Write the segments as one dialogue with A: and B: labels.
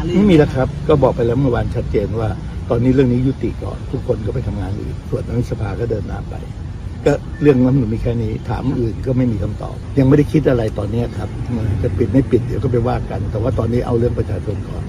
A: รือไม่มีแล้วครับก็บอกไปแล้วเมื่อวานชัดเจนว่าตอนนี้เรื่องนี้ยุติก่อนทุกคนก็ไปทำงานอื่นส่วนรัฐสภาก็เดินหน้าไปก็เรื่องนั้นหนูมีแค่นี้ถามอื่นก็ไม่มีคำตอบยังไม่ได้คิดอะไรตอนนี้ครับจะปิดไม่ปิดเดี๋ยวก็ไปว่ากันแต่ว่าตอนนี้เอาเรื่องประชาชนก่อน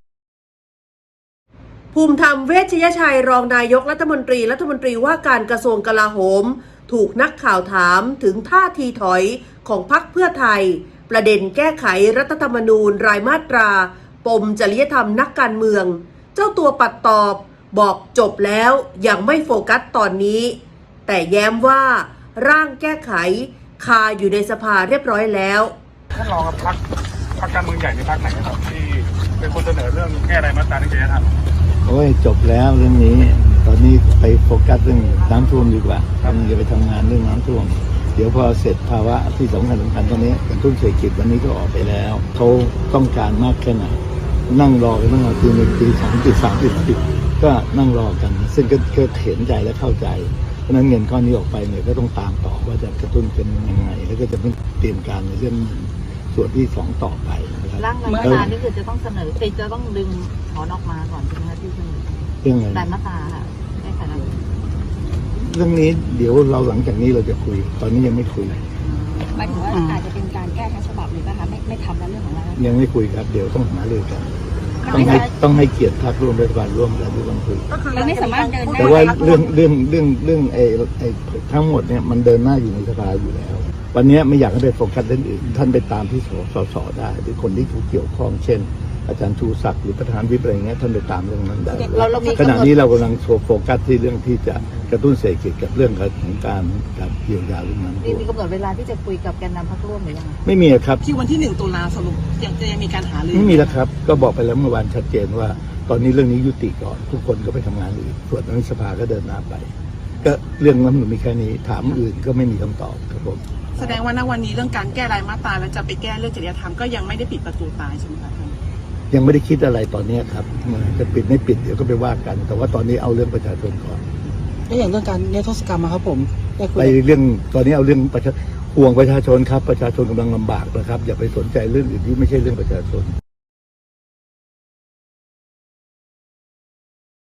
B: ภูมิธรรมเวชยชัยรองนายกรัฐมนตรีว่าการกระทรวงกลาโหมถูกนักข่าวถามถึงท่าทีถอยของพรรคเพื่อไทยประเด็นแก้ไขรัฐธรรมนูญรายมาตราปมจริยธรรมนักการเมืองเจ้าตัวปัดตอบบอกจบแล้วยังไม่โฟกัสตอนนี้แต่แย้มว่าร่างแก้ไขคาอยู่ในสภาเรียบร้อยแล้ว
C: ท่านรองครับพรรคการเมืองใหญ่ในพรรคไหนครับที่เป็นคนเสนอเรื่องแก้รายมาตราจริยธรรม
A: โอ้ยจบแล้วเรื่องนี้ตอนนี้ไปโฟกัสเรื่องน้ำท่วมดีกว่าอย่าไปทำงานเรื่องน้ำท่วมเดี๋ยวพอเสร็จภาวะที่สำคัญตอนนี้กระตุ้นเศรษฐกิจวันนี้ก็ออกไปแล้วเขาต้องการมากแค่ไหนนั่งรอกันตั้งแต่ปีหนึ่งปีสองปีสามปีสี่ก็นั่งรอกันซึ่งก็เห็นใจและเข้าใจเพราะนั้นเงินก้อนนี้ออกไปเนี่ยก็ต้องตามต่อว่าจะกระตุ้นเป็นยังไงแล้วก็จะเตรียมการในเรื่องส่วนที่สองต่อไปนะครับ
D: ร่างรายมาตรานี่คือจะต้องเสนอจะต้องดึงถอนออกมาก่อนใช่ไหมคะที่เสนอ
A: เรื่องอะไร
D: รายมาตราค่ะแก้ไขรัฐธรรมนูญ
A: เรื่องนี้เดี๋ยวเราหลังจากนี้เราจะคุยตอนนี้ยังไม่คุย
D: หมายถึงว่าอาจจะเป็นการแก้ทั้งฉบับเลยนะคะไม่ทำแล้วเรื่องของเรา
A: ยังไม่คุยครับเดี๋ยวต้องหารือกันต้องให้เกียรติพรรคร่วมรัฐบาลร่วมกันทุกคนคุย
D: เราไม่สามารถเดินหน้า
A: แต่ว่าเรื่องไอ้ทั้งหมดเนี่ยมันเดินหน้าอยู่ในสภาอยู่แล้ววันนี้ไม่อยากให้ไปโฟกัสเรื่องอื่นท่านไปตามที่สสได้หรือคนที่ถูกเกี่ยวข้องเช่นอาจารย์ชูศักดิ์หรือประธานวิปอะไรเงี้ยท่านไปตามเรื่องนั้นได้ขณะนี้เรากำลังโฟกัสที่เรื่องที่จะกระตุ้นเศรษฐกิจกับเรื่องของการเยียวยาเรื่องนั้น
D: มีกำหนดเวลาที่จะคุยกับแกนนำพรรคร่วมหรือยัง
A: ไม่มีครับ
E: ที่วันที่1 ตุลาสรุปยังมีการหารือ
A: ไม่มีแล้วครับก็บอกไปแล้วเมื่อวานชัดเจนว่าตอนนี้เรื่องนี้ยุติก่อนทุกคนก็ไปทำงานอื่นส่วนรัฐสภาก็เดินหน้าไปก็เรื่องนั้นมีแค่นี้ถามอื่นก็ไม่มีคำตอบครับผม
E: แสดงว่าณวันนี้เรื่องการแก้รายมาตราแล้วจะไปแก้เรื่องจริยธรรมก็ยังไม่ได้ปิดประตูตายใช่ไหมคะ
A: ยังไม่ได้คิดอะไรตอนนี้ครับจะปิดไม่ปิดเดี๋ยวก็ไปว่ากันแต่ว่าตอนนี้เอาเรื่องประชาชนก่อน
F: แล้วอย่างเรื่องการนิรโทษกรรมครับผม
A: ไปเรื่องตอนนี้เอาเรื่องห่วงประชาชนครับประชาชนกำลังลำบากนะครับอย่าไปสนใจเรื่องอื่นที่ไม่ใช่เรื่องประชาชน